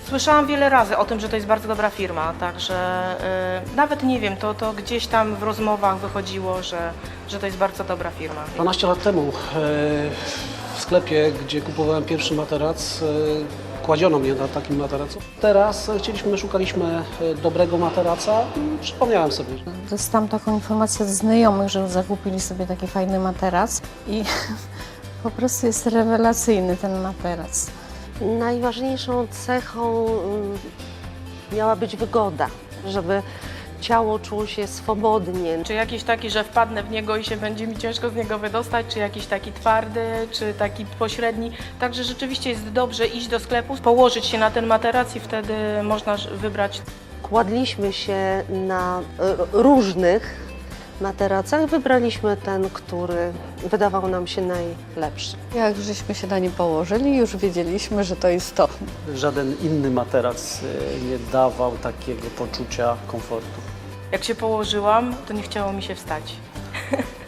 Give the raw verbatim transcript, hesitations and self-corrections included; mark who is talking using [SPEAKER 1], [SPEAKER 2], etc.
[SPEAKER 1] Słyszałam wiele razy o tym, że to jest bardzo dobra firma, także y, nawet nie wiem, to, to gdzieś tam w rozmowach wychodziło, że, że to jest bardzo dobra firma.
[SPEAKER 2] dwanaście lat temu e, w sklepie, gdzie kupowałem pierwszy materac, e, kładziono mnie na takim materacu. Teraz e, chcieliśmy, szukaliśmy e, dobrego materaca i przypomniałem sobie.
[SPEAKER 3] Dostałam taką informację od znajomych, że zakupili sobie taki fajny materac i po prostu jest rewelacyjny ten materac.
[SPEAKER 4] Najważniejszą cechą mm, miała być wygoda, żeby ciało czuło się swobodnie.
[SPEAKER 1] Czy jakiś taki, że wpadnę w niego i się będzie mi ciężko z niego wydostać, czy jakiś taki twardy, czy taki pośredni. Także rzeczywiście jest dobrze iść do sklepu, położyć się na ten materac i wtedy można wybrać.
[SPEAKER 4] Kładliśmy się na y, różnych materacach, wybraliśmy ten, który wydawał nam się najlepszy.
[SPEAKER 5] Jak żeśmy się na nim położyli, już wiedzieliśmy, że to jest to.
[SPEAKER 2] Żaden inny materac e, nie dawał takiego poczucia komfortu.
[SPEAKER 1] Jak się położyłam, to nie chciało mi się wstać.